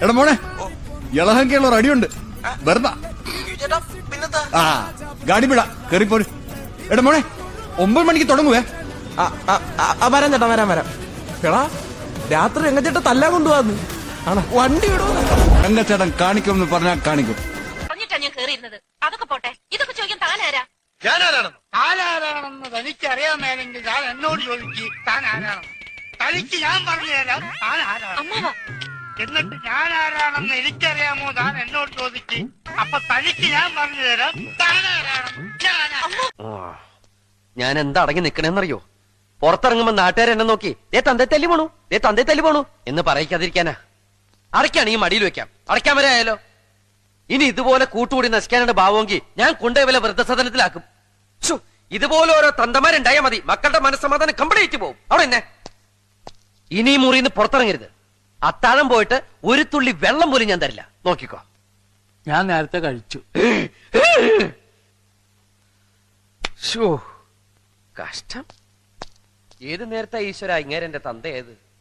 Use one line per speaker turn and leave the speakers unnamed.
എടാ മോനെ, ഇളഹങ്കയുള്ള റെഡിയുണ്ട്. വെറുതെ ആ ഗാഡി വിടാ, കേറിപ്പോര്. എടാ മോനെ, 9 മണിക്ക് തുടങ്ങുവേ.
വരാം ചേട്ടാ, വരാം. എടാ രാത്രി രംഗച്ചേട്ട തല്ലാൻ കൊണ്ടുപോകാന്ന്. ആണോ? വണ്ടി വിടുവോ?
രംഗച്ചേട്ടൻ കാണിക്കുമെന്ന് പറഞ്ഞാൽ കാണിക്കും.
പറഞ്ഞിട്ടാ ഞാൻ കേറിയിരുന്നത്. അതൊക്കെ പോട്ടെ, ഇതൊക്കെ ചോദിക്കാൻ താനാരാ?
താനാരാണെന്ന് തനിക്കറിയാമേലെങ്കിൽ ഞാൻ എന്നോട് ചോദിക്ക് താൻ ആരാണെന്ന്. തനിക്ക് ഞാൻ പറഞ്ഞു തരാം താൻ ആരാണ്.
അമ്മാവാ,
എന്നിട്ട് ഞാൻ ആരാണെന്ന് എനിക്കറിയാമോ താൻ എന്നോട് ചോദിക്ക്. അപ്പൊ തനിക്ക് ഞാൻ പറഞ്ഞു തരാം താൻ ആരാണെന്ന്.
ഞാൻ എന്താ അടങ്ങി നിക്കണേന്നറിയോ? പുറത്തിറങ്ങുമ്പോ നാട്ടുകാർ എന്നെ നോക്കി ദേ തന്തേ തല്ലി പോണു എന്ന് പറയിക്കാതിരിക്കാനാ. അടയ്ക്കാണെങ്കിൽ മടിയിൽ വെക്കാം, അടയ്ക്കാൻ വരെ ആയാലോ. ഇനി ഇതുപോലെ കൂട്ടുകൂടി നശിക്കാനുള്ള ഭാവമെങ്കിൽ ഞാൻ കൊണ്ടുപോയി വല്ല വൃദ്ധസദനത്തിലാക്കും. ഇതുപോലെ ഓരോ തന്തമാരുണ്ടായാൽ മതി, മക്കളുടെ മനസ്സമാധാനം കംപ്ലീറ്റ് പോകും. അവിടെ എന്നെ ഇനി ഈ മുറിയിൽ നിന്ന് പുറത്തിറങ്ങരുത്. അത്താഴം പോയിട്ട് ഒരു തുള്ളി വെള്ളം പോലും ഞാൻ തരില്ല, നോക്കിക്കോ.
ഞാൻ നേരത്തെ കഴിച്ചു.
കഷ്ടം. ഏത് നേരത്തെ ഈശ്വര ഇങ്ങേരെ എന്റെ തന്ത ഏത്?